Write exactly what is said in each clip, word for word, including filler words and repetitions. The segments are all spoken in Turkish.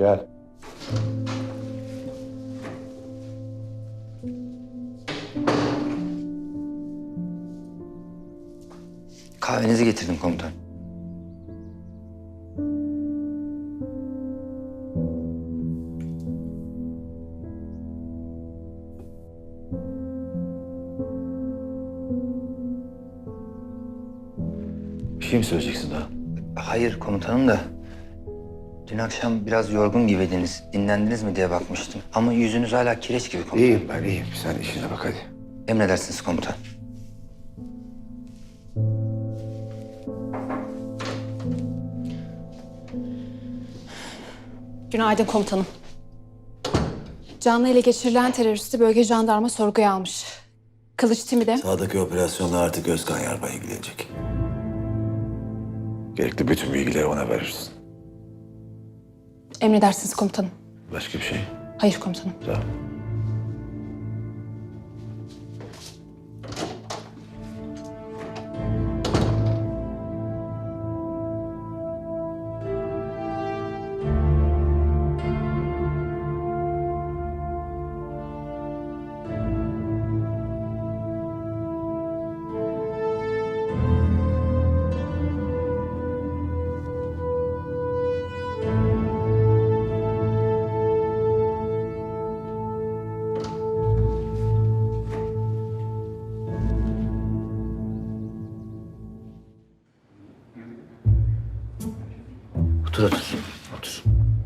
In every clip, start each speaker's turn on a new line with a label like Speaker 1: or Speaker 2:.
Speaker 1: Gel.
Speaker 2: Kahvenizi getirdim komutan.
Speaker 1: Bir şey mi söyleyeceksin daha?
Speaker 2: Hayır komutanım da dün akşam biraz yorgun gibiydiniz. Dinlendiniz mi diye bakmıştım. Ama yüzünüz hala kireç gibi komutan.
Speaker 1: İyiyim ben iyiyim. Sen işine bak hadi.
Speaker 2: Emredersiniz komutan.
Speaker 3: Günaydın komutanım. Canlı ele geçirilen teröristi bölge jandarma sorguya almış. Kılıç timi de
Speaker 4: Sağdaki operasyonla artık Özkan Yarbay ilgilenecek.
Speaker 1: Gerekli bütün bilgileri ona verirsin.
Speaker 3: emredersiniz komutanım.
Speaker 1: Başka bir şey?
Speaker 3: Hayır komutanım.
Speaker 1: Sağ ol.
Speaker 2: Otur otur. Otur.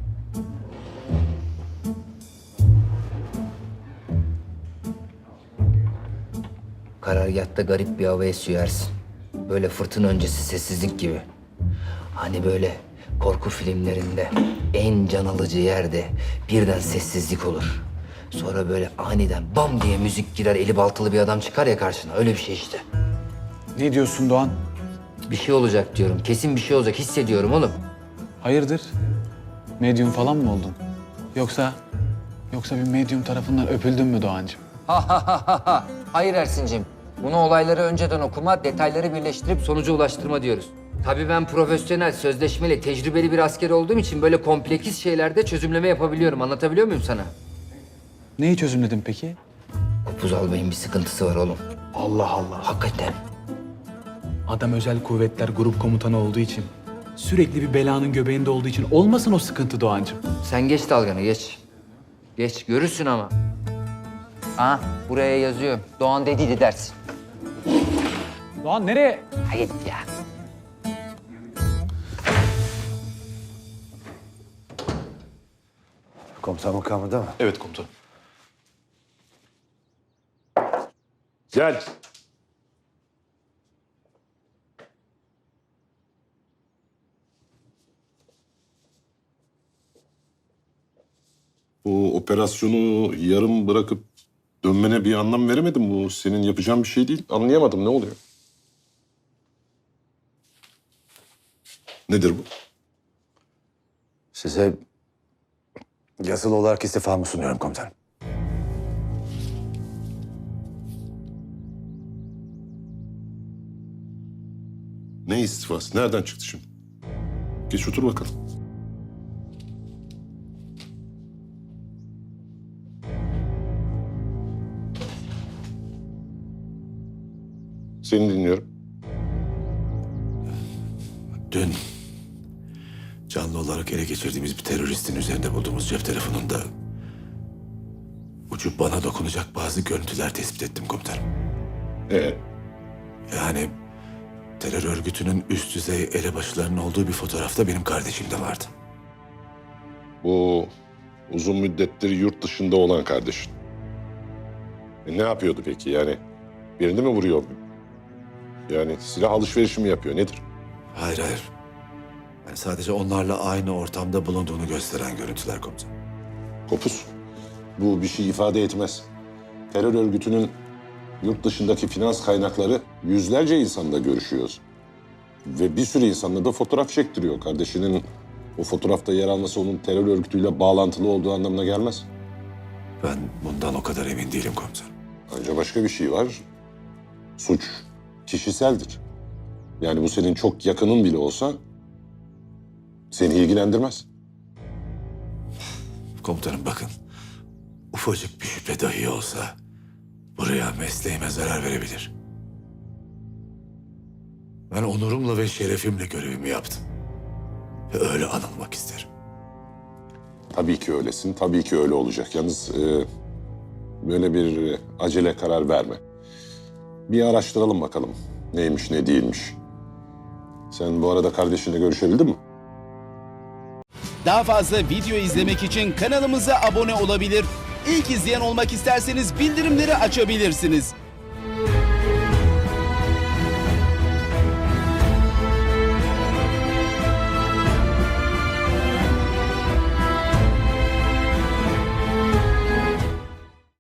Speaker 2: Karargâhta garip bir hava esiyor Ersin. Böyle fırtına öncesi sessizlik gibi. Hani böyle korku filmlerinde en can alıcı yerde birden sessizlik olur. Sonra böyle aniden bam diye müzik girer, eli baltalı bir adam çıkar ya karşına. Öyle bir şey işte.
Speaker 5: Ne diyorsun Doğan?
Speaker 2: Bir şey olacak diyorum. Kesin bir şey olacak. Hissediyorum oğlum.
Speaker 5: Hayırdır? Medyum falan mı oldun? Yoksa... Yoksa bir medyum tarafından öpüldün mü Doğancığım?
Speaker 2: Hayır Ersin'cim. Bunu olayları önceden okuma, detayları birleştirip sonuca ulaştırma diyoruz. Tabii ben profesyonel, sözleşmeli, tecrübeli bir asker olduğum için böyle kompleks şeylerde çözümleme yapabiliyorum. Anlatabiliyor muyum sana?
Speaker 5: Neyi çözümledin peki?
Speaker 2: Kopuz albayın bir sıkıntısı var oğlum.
Speaker 5: Allah Allah.
Speaker 2: Hakikaten.
Speaker 5: Adam özel kuvvetler grup komutanı olduğu için, sürekli bir belanın göbeğinde olduğu için olmasın o sıkıntı Doğancığım.
Speaker 2: Sen geç dalganı, geç. Geç, görürsün ama. Ha, buraya yazıyor. Doğan dediydi dersin.
Speaker 5: Doğan nereye?
Speaker 2: Hayır ya.
Speaker 1: Komutan makamında mı?
Speaker 6: Evet komutanım. Gel. Bu operasyonu yarım bırakıp dönmene bir anlam veremedim. Bu senin yapacağın bir şey değil. Anlayamadım, ne oluyor? Nedir bu?
Speaker 1: Size yazılı olarak istifamı sunuyorum komutanım.
Speaker 6: Ne istifası? Nereden çıktı şimdi? Geç otur bakalım. Seni dinliyorum.
Speaker 4: Dün canlı olarak ele geçirdiğimiz bir teröristin üzerinde bulduğumuz cep telefonunda ucu bana dokunacak bazı görüntüler tespit ettim komutanım.
Speaker 6: Ee,
Speaker 4: Yani terör örgütünün üst düzey elebaşılarının olduğu bir fotoğrafta benim kardeşim de vardı.
Speaker 6: bu uzun müddettir yurt dışında olan kardeşin. E, ne yapıyordu peki? Yani birini mi vuruyor? Yani silah alışverişi mi yapıyor? Nedir?
Speaker 4: Hayır hayır. Yani sadece onlarla aynı ortamda bulunduğunu gösteren görüntüler komutanım.
Speaker 6: Kopuz. Bu bir şey ifade etmez. Terör örgütünün yurt dışındaki finans kaynakları yüzlerce insanla görüşüyor. Ve bir sürü insanla da fotoğraf çektiriyor. Kardeşinin o fotoğrafta yer alması onun terör örgütüyle bağlantılı olduğu anlamına gelmez.
Speaker 4: Ben bundan o kadar emin değilim komutanım.
Speaker 6: Ayrıca başka bir şey var. Suç kişiseldir. Yani bu senin çok yakının bile olsa seni ilgilendirmez.
Speaker 4: Komutanım bakın. Ufacık bir şüphe dahi olsa buraya mesleğime zarar verebilir. Ben onurumla ve şerefimle görevimi yaptım. Ve öyle anılmak isterim.
Speaker 6: Tabii ki öylesin, tabii ki öyle olacak. Yalnız e, böyle bir e, acele karar verme. Bir araştıralım bakalım neymiş ne değilmiş. Sen bu arada kardeşinle görüşebildin mi?
Speaker 7: Daha fazla video izlemek için kanalımıza abone olabilir. İlk izleyen olmak isterseniz bildirimleri açabilirsiniz.